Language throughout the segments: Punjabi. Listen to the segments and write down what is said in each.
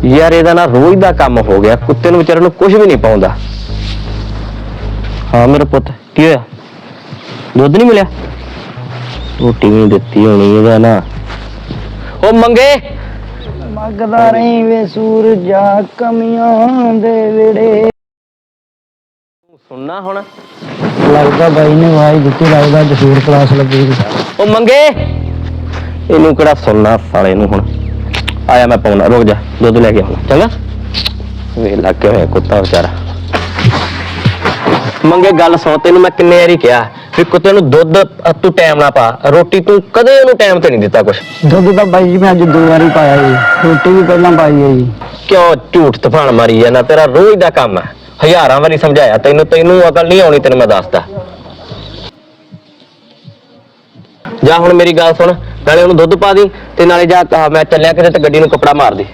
यार ਇਹਦਾ ना रोज ਦਾ ਕੰਮ ਹੋ ਗਿਆ ਕੁੱਤੇ ਨੂੰ ਵਿਚਾਰੇ ਨੂੰ ਕੁਝ ਵੀ ਨਹੀਂ ਪਾਉਂਦਾ। हाँ मेरा पुत की होया दुध नहीं मिलिया रोटी नहीं दिती होनी ਇਹਦਾ ना ओ मंगे ਮੰਗਦਾ ਰਹੀ ਵੇ ਸੂਰਜਾ ਕਮੀਆਂ ਦੇ ਵੇੜੇ। सुनना हुण ਲੱਗਦਾ ਬਾਈ ਨੇ ਆਵਾਜ਼ ਦਿੱਤੀ, ਲੱਗਦਾ ਜਸੂਰ ਕਲਾਸ ਲੱਗੀ। ओ मंगे ਇਹਨੂੰ ਕਿਹੜਾ ਸੁਣਨਾ ਸਾਲੇ ਨੂੰ ਹੁਣ ਆਇਆ ਮੈਂ ਪਾਉਣਾ ਰੁਕ ਜਾ ਦੁੱਧ ਲੈ ਕੇ ਆਉਣਾ ਚੰਗਾ ਵੇ ਲੱਗ ਕੇ ਹੋਇਆ ਕੁੱਤਾ ਵਿਚਾਰਾ। ਮੰਗੇ ਗੱਲ ਸੁਣ ਤੈਨੂੰ ਮੈਂ ਕਿੰਨੇ ਵਾਰੀ ਕਿਹਾ ਵੀ ਕੁੱਤੇ ਨੂੰ ਦੁੱਧ ਤੂੰ ਟਾਈਮ ਨਾ ਪਾ ਰੋਟੀ ਤੂੰ ਕਦੇ ਉਹਨੂੰ ਟਾਈਮ ਤੇ ਨਹੀਂ ਦਿੱਤਾ ਕੁਛ। ਦੁੱਧ ਤਾਂ ਬਾਈ ਜੀ ਮੈਂ ਅੱਜ 2 ਵਾਰੀ ਪਾਇਆ ਜੀ, ਰੋਟੀ ਵੀ ਪਹਿਲਾਂ ਪਾਈ ਹੈ ਜੀ। ਕਿਉਂ ਝੂਠ ਤੂਫਾਨ ਮਾਰੀ ਜਾਂਦਾ ਤੇਰਾ ਰੋਜ਼ ਦਾ ਕੰਮ ਹੈ। ਹਜ਼ਾਰਾਂ ਵਾਰੀ ਸਮਝਾਇਆ ਤੈਨੂੰ ਅਕਲ ਨਹੀਂ ਆਉਣੀ ਤੈਨੂੰ ਮੈਂ ਦੱਸਦਾ। ਜਾ ਹੁਣ ਮੇਰੀ ਗੱਲ ਸੁਣ ਨਾਲੇ ਉਹਨੂੰ ਦੁੱਧ ਪਾ ਦੀ ਤੇ ਨਾਲੇ ਜਾ ਮੈਂ ਚੱਲਿਆ ਕਿਤੇ ਤੇ ਗੱਡੀ ਨੂੰ ਕੱਪੜਾ ਮਾਰ ਦੇ।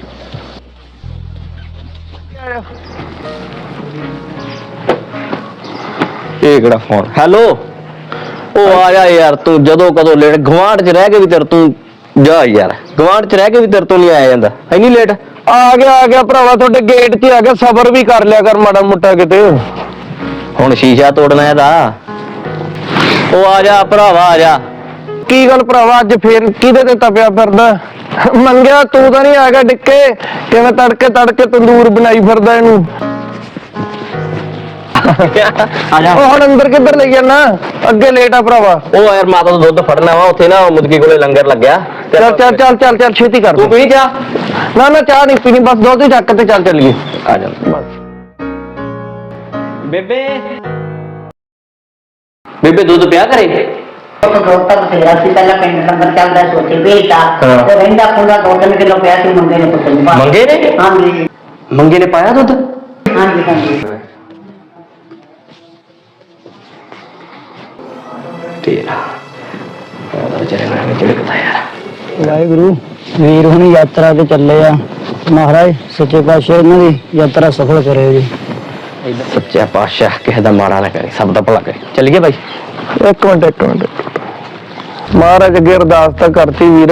ਇਹ ਕਿਹੜਾ ਫੋਨ ਹੈਲੋ ਉਹ ਆ ਜਾ ਯਾਰ ਤੂੰ ਜਦੋਂ ਕਦੋਂ ਲੇਟ ਗਵਾਂਢ 'ਚ ਰਹਿ ਕੇ ਵੀ ਤੇਰੇ ਤੂੰ ਜਾ ਯਾਰ ਗਵਾਂਢ 'ਚ ਰਹਿ ਕੇ ਵੀ ਤੇਰੇ ਤੋਂ ਨਹੀਂ ਆਇਆ ਜਾਂਦਾ ਇੰਨੀ ਲੇਟ ਆ ਗਿਆ ਭਰਾਵਾ ਤੁਹਾਡੇ ਗੇਟ 'ਤੇ ਆ ਗਿਆ, ਸਬਰ ਵੀ ਕਰ ਲਿਆ ਕਰ ਮਾੜਾ ਮੋਟਾ ਕਿਤੇ। ਹੁਣ ਸ਼ੀਸ਼ਾ ਤੋੜਨਾ ਇਹਦਾ ਉਹ ਆ ਜਾ ਭਰਾਵਾ ਆ ਜਾ। ਕੀ ਗੱਲ ਭਰਾਵਾ ਅੱਜ ਫੇਰ ਕਿਹਦੇ ਤੇ ਤਪਿਆ ਫਿਰਦਾ? ਮੰਗਿਆ ਤੂੰ ਤਾਂ ਨਹੀਂ ਆ ਗਿਆ ਡਿੱਕੇ, ਕਿਵੇਂ ਤੜਕੇ ਤੰਦੂਰ ਬਣਾਈ ਫਿਰਦਾ ਇਹਨੂੰ। ਆ ਜਾ ਉਹ ਹੁਣ ਅੰਦਰ ਕਿੱਧਰ ਲੈ ਜਾਣਾ, ਅੱਗੇ ਲੇਟ ਆ ਭਰਾਵਾ। ਉਹ ਯਾਰ ਮਾਤਾ ਤੋਂ ਦੁੱਧ ਫੜਨਾ ਵਾ ਉੱਥੇ ਨਾ ਮੁਦਕੀ ਕੋਲੇ ਲੰਗਰ ਲੱਗਿਆ। ਚੱਲ ਛੇਤੀ ਕਰ ਤੂੰ ਪੀ ਜਾ। ਨਾ ਚਾਹ ਨਹੀਂ ਪੀਣੀ, ਬਸ ਦੁੱਧ ਹੀ ਚੱਕ ਤੇ ਚੱਲ ਚੱਲੀਏ। ਆ ਜਾ ਬੇਬੇ ਦੁੱਧ ਪਿਆ ਕਰੇ। ਡਾਕਟਰ ਬਥੇਰਾ ਸੀ ਪਹਿਲਾਂ ਪਿੰਡ ਨੰਬਰ ਚੱਲਦਾ ਸੋਚੇ ਵੇਚਤਾ ਤੇ ਰਹਿੰਦਾ ਪੂਰਾ 2-3 ਕਿਲੋ ਪਿਆ ਸੀ ਮੰਗੇ ਨੇ ਪੁੱਤ ਨੂੰ ਮੰਗੇ ਨੇ ਹਾਂਜੀ ਮੰਗੇ ਨੇ ਪਾਇਆ ਦੁੱਧ ਹਾਂਜੀ ਤੇਰਾ ਵਿਚਾਰੇ ਨਾਲ ਝਿੜਕਦਾ ਯਾਰ। ਵਾਹਿਗੁਰੂ ਵੀਰ ਹੁਣੀ ਯਾਤਰਾ ਤੇ ਚੱਲੇ ਆ, ਮਹਾਰਾਜ ਸੱਚੇ ਪਾਤਸ਼ਾਹ ਇਹਨਾਂ ਦੀ ਯਾਤਰਾ ਸਫਲ ਕਰਿਓ ਜੀ। ਸੱਚਾ ਪਾਤਸ਼ਾਹ ਕਿਸੇ ਦਾ ਮਾੜਾ ਨਾ ਕਰੇ, ਸਭ ਦਾ ਭਲਾ ਕਰੇ। ਚੱਲੀਏ ਬਾਈ। ਇੱਕ ਮਿੰਟ ਮਹਾਰਾਜ ਅੱਗੇ ਅਰਦਾਸ ਤਾਂ ਕਰਤੀ ਵੀਰ,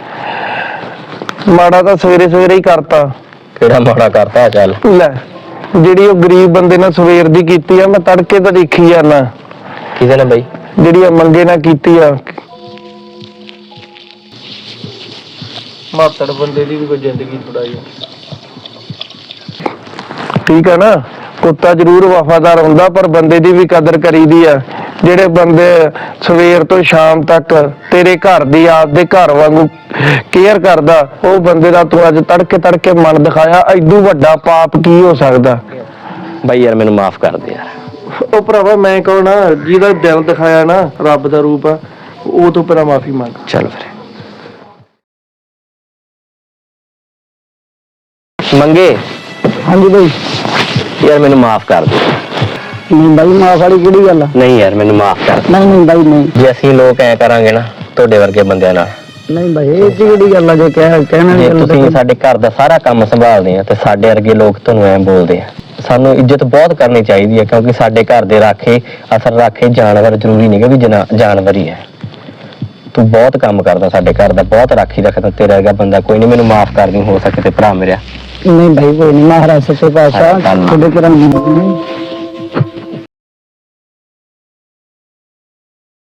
ਮਾੜਾ ਤਾਂ ਸਵੇਰੇ ਹੀ ਕਰਤਾ। ਕਿਹੜਾ ਮਾੜਾ ਕਰਤਾ? ਚੱਲ ਲੈ ਜਿਹੜੀ ਉਹ ਗਰੀਬ ਬੰਦੇ ਨਾਲ ਸਵੇਰ ਦੀ ਕੀਤੀ ਆ, ਮੈਂ ਤੜਕੇ ਤਾਂ ਦੇਖੀ ਜਾਣਾ। ਕਿਸੇ ਨੇ ਬਾਈ ਜਿਹੜੀ ਮੰਗੇ ਨਾਲ ਕੀਤੀ ਆ, ਮਾਤੜ ਬੰਦੇ ਦੀ ਵੀ ਕੋਈ ਜ਼ਿੰਦਗੀ ਥੋੜਾਈ ਠੀਕ ਆ ਨਾ। ਕੁੱਤਾ ਜ਼ਰੂਰ ਵਫਾਦਾਰ ਹੁੰਦਾ ਪਰ ਬੰਦੇ ਦੀ ਵੀ ਕਦਰ ਕਰੀਦੀ ਆ। ਜਿਹੜੇ ਬੰਦੇ ਸਵੇਰ ਤੋਂ ਸ਼ਾਮ ਤੱਕ ਤੇਰੇ ਘਰ ਦੀ ਆਪਦੇ ਘਰ ਵਾਂਗੂ ਕੇਅਰ ਕਰਦਾ, ਉਹ ਬੰਦੇ ਦਾ ਤੂੰ ਅੱਜ ਤੜਕੇ ਮਨ ਦਿਖਾਇਆ। ਐਡੂ ਵੱਡਾ ਪਾਪ ਕੀ ਹੋ ਸਕਦਾ? ਬਾਈ ਯਾਰ ਮੈਨੂੰ ਮਾਫ ਕਰ ਦੇ ਯਾਰ। ਉਹ ਭਰਾਵਾ ਮੈਂ ਕਹੋ ਨਾ, ਜਿਹਦਾ ਦਿਲ ਦਿਖਾਇਆ ਨਾ ਰੱਬ ਦਾ ਰੂਪ ਆ, ਉਹ ਤੋਂ ਪਹਿਲਾਂ ਮਾਫੀ ਮੰਗ। ਚੱਲ ਫਿਰ ਮੰਗੇ। ਹਾਂਜੀ ਬਾਈ। ਯਾਰ ਮੈਨੂੰ ਮਾਫ ਕਰ ਦੇ। ਨਹੀਂ ਬਾਈ ਮਾਫ ਵਾਲੀ ਕਿਹੜੀ ਗੱਲ ਆ? ਨਹੀਂ ਯਾਰ ਮੈਨੂੰ ਮਾਫ ਕਰ ਦੇ। ਨਹੀਂ ਬਾਈ ਨਹੀਂ। ਜੇ ਅਸੀਂ ਲੋਕ ਐ ਕਰਾਂਗੇ ਨਾ ਤੁਹਾਡੇ ਵਰਗੇ ਬੰਦਿਆਂ ਨਾਲ, ਨਹੀਂ ਬਾਈ ਇਹ ਕਿਹੜੀ ਗੱਲ ਆ? ਜੇ ਕਹਿਣਾ ਜੇ ਤੁਸੀਂ ਸਾਡੇ ਘਰ ਦਾ ਸਾਰਾ ਕੰਮ ਸੰਭਾਲਦੇ ਆ ਤੇ ਸਾਡੇ ਵਰਗੇ ਲੋਕ ਤੁਹਾਨੂੰ ਐਂ ਬੋਲਦੇ ਆ, ਸਾਨੂੰ ਇੱਜ਼ਤ ਬਹੁਤ ਕਰਨੀ ਚਾਹੀਦੀ ਹੈ ਕਿਉਂਕਿ ਸਾਡੇ ਘਰ ਦੇ ਰਾਖੇ ਅਸਲ ਰਾਖੇ ਜਾਨਵਰ ਜ਼ਰੂਰੀ ਨਹੀਂ ਕਿ ਵੀ ਜਾਨਵਰ ਹੀ ਹੈ। ਤੂੰ ਬਹੁਤ ਕੰਮ ਕਰਦਾ ਸਾਡੇ ਘਰ ਦਾ, ਬਹੁਤ ਰਾਖੀ ਰੱਖਦਾ, ਤੇਰਾ ਵਰਗਾ ਬੰਦਾ ਕੋਈ ਨਹੀਂ। ਮੈਨੂੰ ਮਾਫ ਕਰ ਦੀ ਹੋ ਸਕੇ ਤੇ ਭਰਾ ਮੇਰਾ। ਨਹੀਂ ਭਾਈ ਕੋਈ ਨਹੀਂ, ਮਹਾਰਾਜ ਸੱਚੇ ਪਾਤਸ਼ਾਹ ਤੁਹਾਡੇ ਘਰਾਂ ਨੂੰ